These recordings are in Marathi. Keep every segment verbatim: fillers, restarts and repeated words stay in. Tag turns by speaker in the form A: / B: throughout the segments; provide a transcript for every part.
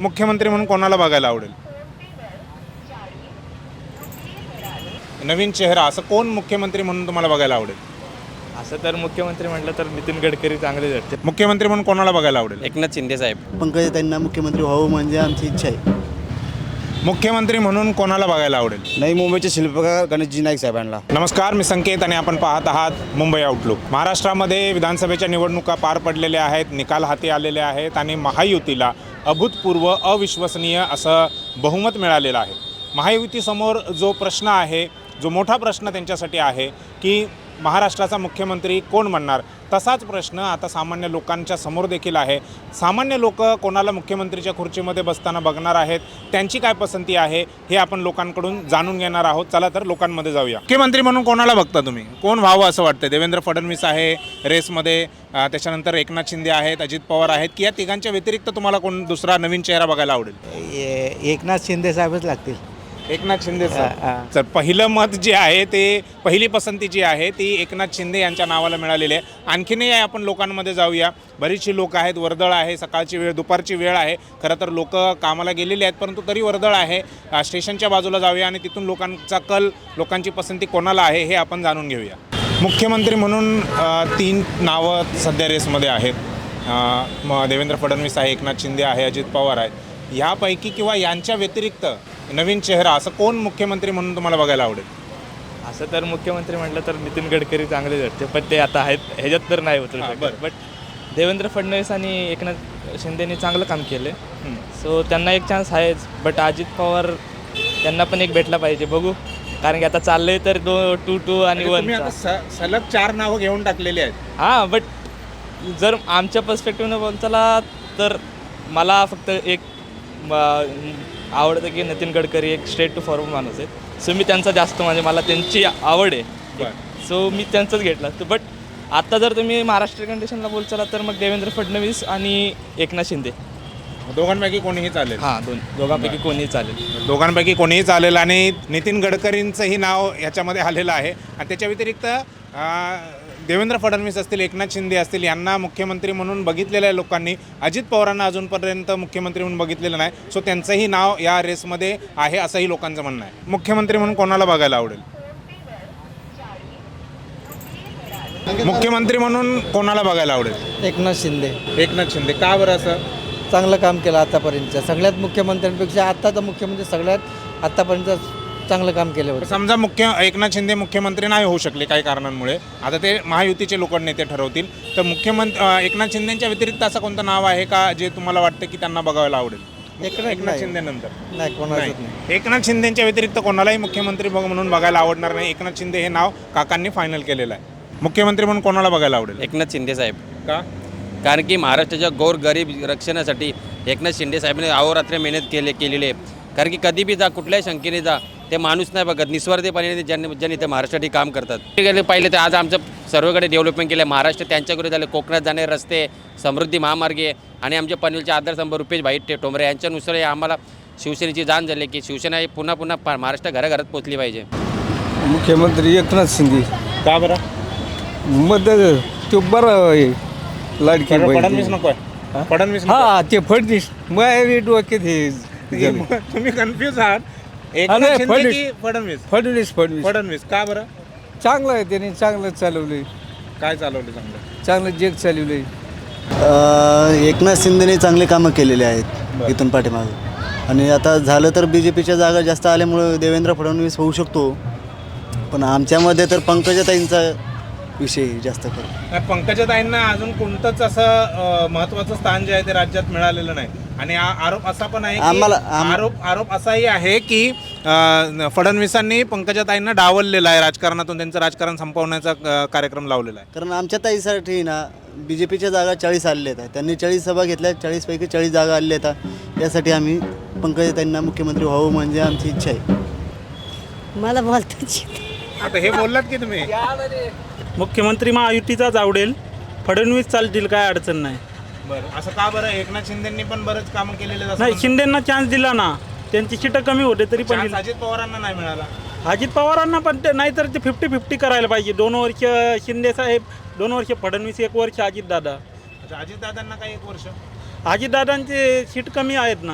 A: मुख्यमंत्री म्हणून कोणाला बघायला आवडेल? नवीन चेहरा असं कोण मुख्यमंत्री म्हणून तुम्हाला बघायला आवडेल?
B: असं तर मुख्यमंत्री म्हटलं तर नितीन गडकरी चांगले वाटते.
A: मुख्यमंत्री म्हणून कोणाला बघायला आवडेल?
C: एकनाथ शिंदे साहेब.
D: पंकजाताईंना मुख्यमंत्री व्हावं म्हणजे आमची इच्छा आहे.
A: मुख्यमंत्री म्हणून कोणाला बघायला आवडेल?
D: नवी मुंबईचे शिल्पकार गणेशजी नाईक साहेबांना.
A: नमस्कार, मी संकेत आणि आपण पाहत आहात मुंबई आउटलुक. महाराष्ट्रामध्ये विधानसभेच्या निवडणुका पार पडलेल्या आहेत, निकाल हाती आलेले आहेत आणि महायुतीला अभूतपूर्व अविश्वसनीय असं बहुमत मिळालेलं आहे. महायुतीसमोर जो प्रश्न आहे, जो मोठा प्रश्न त्यांच्यासाठी आहे की महाराष्ट्राचा मुख्यमंत्री कोण म्हणणार, तसाच प्रश्न आता सामान्य लोकांच्या समोर देखील आहे. सामान्य लोक कोणाला मुख्यमंत्रीच्या खुर्चीमध्ये बसताना बघणार आहेत, त्यांची काय पसंती आहे हे आपण लोकांकडून जाणून घेणार आहोत. चला तर लोकांमध्ये जाऊया. मुख्यमंत्री म्हणून कोणाला बघता तुम्ही? कोण व्हावं असं वाटतं? देवेंद्र फडणवीस आहे रेसमध्ये, त्याच्यानंतर एकनाथ शिंदे आहेत, अजित पवार आहेत, की या तिघांच्या व्यतिरिक्त तुम्हाला कोण दुसरा नवीन चेहरा बघायला आवडेल?
D: एकनाथ शिंदे साहेबच लागतील.
A: एकनाथ शिंदे तर पहिलं मत जे आहे ते, पहिली पसंती जी आहे ती एकनाथ शिंदे यांच्या नावाला मिळालेली आहे. आणखीनही आपण लोकांमध्ये जाऊया. बरीचशी लोक आहेत, वर्दळ आहे, सकाळची वेळ, दुपारची वेळ आहे. खरं तर लोक कामाला गेलेली आहेत, परंतु तरी वर्दळ आहे. स्टेशनच्या बाजूला जाऊया आणि तिथून लोकांचा कल, लोकांची पसंती कोणाला आहे हे आपण जाणून घेऊया. मुख्यमंत्री म्हणून तीन नावं सध्या रेसमध्ये आहेत. मग देवेंद्र फडणवीस आहे, एकनाथ शिंदे आहे, अजित पवार आहेत. ह्यापैकी किंवा यांच्या व्यतिरिक्त नवीन चेहरा असं कोण मुख्यमंत्री म्हणून तुम्हाला बघायला आवडेल?
B: असं तर मुख्यमंत्री म्हटलं तर नितीन गडकरी चांगले वाटते, पण ते आता आहेत ह्याच्यात तर नाही उतरू शकत. बट देवेंद्र फडणवीस आणि एकनाथ शिंदेनी चांगलं काम केलं, सो त्यांना एक चान्स आहेच. बट अजित पवार त्यांना पण एक भेटला पाहिजे, बघू. कारण की आता चाललंय तर दो टू टू आणि वन
A: सलग चार नावं घेऊन टाकलेली आहेत.
B: हां, बट जर आमच्या पर्स्पेक्टिव्हनं बोलताला तर मला फक्त एक आवडतं की नितीन गडकरी एक स्ट्रेट टू फॉरवर्ड माणूस आहेत. सो मी त्यांचा जास्त, म्हणजे मला त्यांची आवड आहे, सो मी त्यांचंच घेतलं असतं. बट आता जर तुम्ही महाराष्ट्र कंडिशनला बोलचाला तर मग देवेंद्र फडणवीस आणि एकनाथ शिंदे
A: दोघांपैकी कोणीही चालेल.
B: हां, दोन दोघांपैकी कोणीही चालेल.
A: दोघांपैकी कोणीही चालेल आणि नितीन गडकरींचंही नाव ह्याच्यामध्ये आलेलं आहे. आणि त्याच्या व्यतिरिक्त देवेंद्र फडणवीस असतील, एकनाथ शिंदे असतील, यांना मुख्यमंत्री म्हणून बघितलेलं आहे लोकांनी. अजित पवारांना अजूनपर्यंत मुख्यमंत्री म्हणून बघितलेलं नाही, सो त्यांचंही नाव या रेसमध्ये आहे असंही लोकांचं म्हणणं आहे. मुख्यमंत्री म्हणून कोणाला बघायला आवडेल? मुख्यमंत्री म्हणून कोणाला बघायला आवडेल?
D: एकनाथ शिंदे.
A: एकनाथ शिंदे का बरं? असं
D: चांगलं काम केलं आतापर्यंतच्या सगळ्यात मुख्यमंत्र्यांपेक्षा. आत्ताचा मुख्यमंत्री सगळ्यात आत्तापर्यंत चांगलं काम केलं होतं.
A: समजा मुख्य एकनाथ शिंदे मुख्यमंत्री नाही होऊ शकले काही कारणांमुळे, आता ते महायुतीचे लोक नेते ठरवतील, तर मुख्यमंत्री एकनाथ शिंदेच्या व्यतिरिक्त असं कोणतं नाव आहे का जे तुम्हाला वाटतं की त्यांना बघायला आवडेल? एकनाथ शिंदे नंतर
D: नाही, कोणाच नाही.
A: एकनाथ शिंदेच्या व्यतिरिक्त कोणालाही मुख्यमंत्री म्हणून बघायला आवडणार नाही. एकनाथ शिंदे हे नाव काकांनी फायनल केलेलं आहे. मुख्यमंत्री म्हणून कोणाला बघायला आवडेल?
C: एकनाथ शिंदे साहेब.
A: का?
C: कारण की महाराष्ट्राच्या गोर गरीब रक्षणासाठी एकनाथ शिंदे साहेबांनी अहोरात्र मेहनत केले केलेली आहे. कारण की कधी बी जा, कुठल्याही शंकेने जा, ते माणूस नाही बघत, निस्वार्थीपणे ज्यांनी ज्यांनी ते महाराष्ट्रासाठी काम करतात. ते पाहिलं तर आज आमचं सर्वकडे डेव्हलपमेंट केलं आहे. महाराष्ट्र त्यांच्याकडे झालं. कोकणात जाणारे रस्ते, समृद्धी महामार्गे आणि आमच्या पनवेलचे आधारस्तंभ रुपेश भाई टोंबरे यांच्यानुसार आम्हाला शिवसेनेची जाण झाली की शिवसेना ही पुन्हा पुन्हा महाराष्ट्र घराघरात पोचली पाहिजे.
E: मुख्यमंत्री एकनाथ शिंदे.
A: का बरं?
E: मदत ते बरं आहे, लाडकी
A: फडणवीस नको आहे? फडणवीस नको?
E: हा, ते फडणवीस मग डोक्यात हे
A: तुम्ही कन्फ्युज आहात. एकनाथ शिंदे की फडणवीस?
E: फडणवीस फडणवीस
A: फडणवीस का बरं?
E: चांगलं आहे, त्याने चांगलं चालवलंय,
A: काय चालवलं चांगलं?
E: चांगलं जग चालवलंय.
D: एकनाथ शिंदेने चांगले कामं केलेले आहेत इथून पाठीमागं. आणि आता झालं तर बी जे पीच्या जागा जास्त आल्यामुळं देवेंद्र फडणवीस होऊ शकतो, पण आमच्यामध्ये तर पंकजाताईंचा विषय जास्त करू.
A: पंकजाताईंना अजून कोणतंच असं महत्त्वाचं स्थान जे आहे ते राज्यात मिळालेलं नाही. आणि आरोप असा पण आहे,
D: आम्हाला
A: आरोप आरोप असाही आहे की फडणवीसांनी पंकजाताईंना डावललेला आहे राजकारणातून, त्यांचं राजकारण संपवण्याचा कार्यक्रम लावलेला आहे.
D: कारण आमच्या ताईसाठी ना बी जे पीच्या जागा चाळीस आलेल्या आहेत. त्यांनी चाळीस सभा घेतल्या, चाळीसपैकी चाळीस जागा आलेल्या आहेत. यासाठी आम्ही पंकजाताईंना मुख्यमंत्री व्हावं म्हणजे आमची इच्छा आहे.
F: मला बोलताच
A: आता हे बोललात की तुम्ही?
G: मुख्यमंत्री महायुतीचाच आवडेल, फडणवीस चालतील, काय अडचण नाही.
A: बरं, असं का बरं? एकनाथ शिंदेंनी पण बरंच कामं केलेले.
G: नाही, शिंदेंना चान्स दिला ना, त्यांची सीटं कमी होते तरी पण दिला.
A: अजित पवारांना नाही मिळाला.
G: अजित पवारांना पण ते नाही तर ते फिफ्टी फिफ्टी करायला पाहिजे. दोन वर्ष शिंदे साहेब, दोन वर्ष फडणवीस, एक वर्ष अजितदादा.
A: अजितदादांना काय एक वर्ष?
G: अजितदादांचे सीट कमी आहेत ना.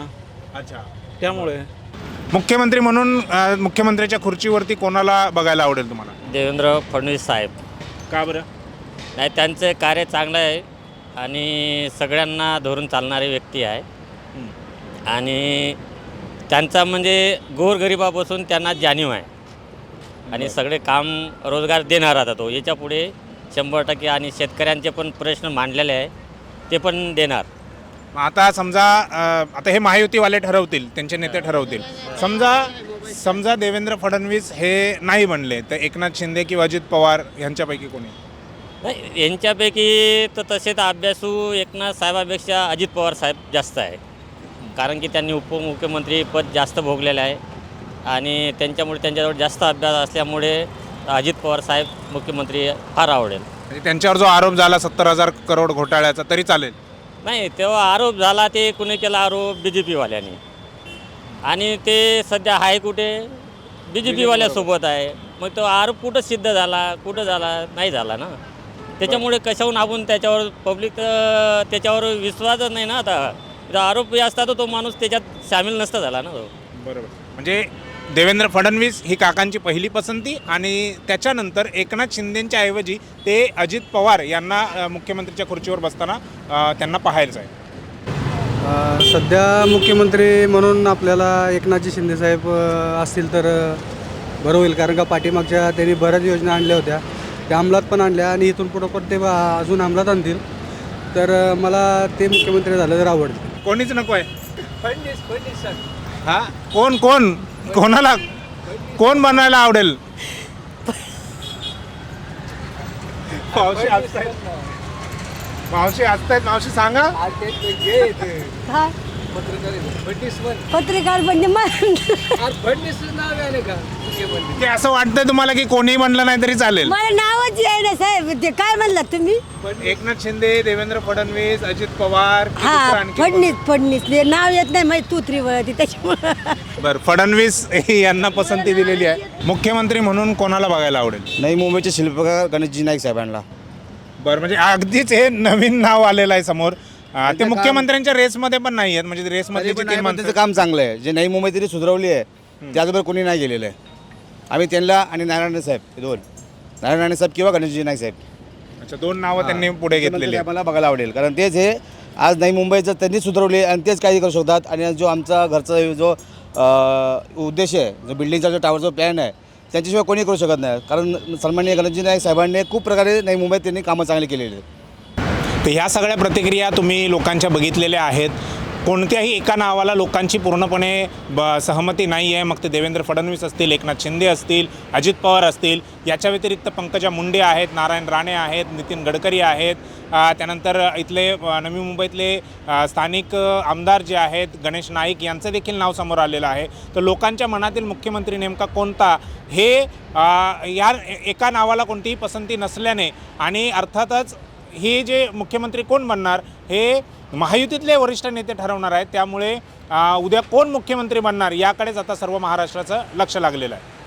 A: अच्छा.
G: त्यामुळे
A: मुख्यमंत्री म्हणून अ, मुख्यमंत्र्याच्या खुर्चीवरती कोणाला बघायला आवडेल तुम्हाला?
H: देवेंद्र फडणवीस साहेब.
A: का बरं?
H: नाही, त्यांचं कार्य चांगलं आहे आणि सगळ्यांना धरून चालणारी व्यक्ती आहे. आणि त्यांचा म्हणजे गोरगरिबापासून त्यांना जाणीव आहे आणि सगळे काम रोजगार देणार आता तो याच्या पुढे शंभर टक्के. आणि शेतकऱ्यांचे पण प्रश्न मांडलेले आहे ते पण देणार.
A: मग आता समजा अ, आता हे महायुतीवाले ठरवतील, त्यांचे नेते ठरवतील. समजा समजा देवेंद्र फडणवीस हे नाही बनले तर एकनाथ शिंदे किंवा अजित पवार यांच्यापैकी कोणी?
H: नाही, यांच्यापैकी तर तसे तर अभ्यासू एकनाथ साहेबापेक्षा अजित पवार साहेब जास्त आहे. कारण की त्यांनी उपमुख्यमंत्री पद जास्त भोगलेलं आहे आणि त्यांच्यामुळे त्यांच्याजवळ जास्त अभ्यास असल्यामुळे अजित पवार साहेब मुख्यमंत्री फार आवडेल.
A: म्हणजे त्यांच्यावर जो आरोप झाला सत्तर हजार करोड घोटाळ्याचा तरी चालेल?
H: नाही, तेव्हा आरोप झाला ते कुणी केला आरोप? B J पीवाल्यांनी. आणि ते सध्या आहे कुठे? बी जे पीवाल्यासोबत आहे. मग तो आरोप कुठं सिद्ध झाला, कुठं झाला? नाही झाला ना. त्याच्यामुळे कशाहून आपण त्याच्यावर पब्लिक त्याच्यावर विश्वासच नाही ना. आता जर आरोप असता तर तो माणूस त्याच्यात सामील नसता झाला ना.
A: बरोबर. म्हणजे देवेंद्र फडणवीस ही काकांची पहिली पसंती आणि त्याच्यानंतर एकनाथ शिंदेंच्या ऐवजी ते अजित पवार यांना अ, मुख्यमंत्रीच्या खुर्चीवर बसताना अ, त्यांना पाहायचं आहे.
I: अ, सध्या मुख्यमंत्री म्हणून आपल्याला एकनाथजी शिंदेसाहेब अ, असतील तर अ, बरं होईल. कारण का पाठीमागच्या त्यांनी बऱ्याच योजना आणल्या होत्या, त्या अंमलात पण आणल्या आणि इथून पुढं पण ते बा- अजून अंमलात आणतील. तर अ, मला ते मुख्यमंत्री झालं तर आवडतं.
A: कोणीच नको आहे?
E: फडणवीस फडणवीस सर
A: हा, कोण कोण कोणाला कोण बनायला आवडेल? मावशी असतायत, मावशी असतायत, मावशी सांगा.
F: काय
E: फडणवीस
F: पत्रकार म्हणजे मग
E: फडणवीस नाव आहे का मुख्यमंत्री?
A: की असं वाटतंय तुम्हाला की कोणीही म्हणलं नाही तरी चालेल?
F: मला नावच आहे ना साहेब. ते काय म्हणलात तुम्ही?
A: एकनाथ शिंदे, देवेंद्र फडणवीस, अजित पवार की दुसरं
F: हा,
A: आणखी
F: फडणीस फडणीस ते नाव येत नाही माहिती तुत्री वळती त्याच्यामुळे.
A: कोण? बरं, फडणवीस यांना पसंती दिलेली आहे. मुख्यमंत्री म्हणून कोणाला बघायला आवडेल?
D: नाही, मुंबईचे शिल्पकार गणेशजी नाईक साहेबांना.
A: बरं, म्हणजे अगदीच हे नवीन नाव आलेलं आहे समोर. अं, ते मुख्यमंत्र्यांच्या रेसमध्ये पण नाही आहेत. म्हणजे रेसमध्ये तीन
D: त्याचं
A: माणसं.
D: काम चांगलं आहे. जे नवी मुंबई तरी सुधारवली आहे त्याचबरोबर कोणी नाही गेलेलं आहे. आम्ही त्यांना आणि नारायण साहेब हे दोन, नारायण राणे साहेब किंवा गणेशजी नाईक साहेब,
A: अच्छा, दोन नावं त्यांनी पुढे घेतलेली आहेत.
D: मला बघायला आवडेल. कारण तेच हे आज नवी मुंबईचं त्यांनी सुधारवले आणि तेच काही करू शकतात. आणि जो आमचा घरचा जो अ, उद्देश आहे, जो बिल्डिंगचा जो टावरचा प्लॅन आहे, त्यांच्याशिवाय कोणी करू शकत नाही. कारण सन्माननीय गणेशजी नाईक साहेबांनी खूप प्रकारे नवी मुंबईत त्यांनी कामं चांगली केलेली आहेत.
A: तर ह्या सगळ्या प्रतिक्रिया तुम्ही लोकांच्या बघितलेल्या आहेत. कोणत्याही एका नावाला लोकांची पूर्णपणे ब सहमती नाही आहे. मग ते देवेंद्र फडणवीस असतील, एकनाथ शिंदे असतील, अजित पवार असतील. याच्या व्यतिरिक्त पंकजा मुंडे आहेत, नारायण राणे आहेत, नितीन गडकरी आहेत. अ, त्यानंतर इथले अ, नवी मुंबईतले अ, स्थानिक अ, आमदार जे आहेत गणेश नाईक यांचं देखील नाव समोर आलेलं आहे. तर लोकांच्या मनातील मुख्यमंत्री नेमका कोणता हे अ, या एका नावाला कोणतीही पसंती नसल्याने आणि अर्थातच हे जे मुख्यमंत्री कोण बनणार हे महायुतीतले वरिष्ठ नेते ठरवणार आहेत. त्यामुळे उद्या कोण मुख्यमंत्री बनणार याकडेच आता सर्व महाराष्ट्राचं लक्ष लागलेलं आहे.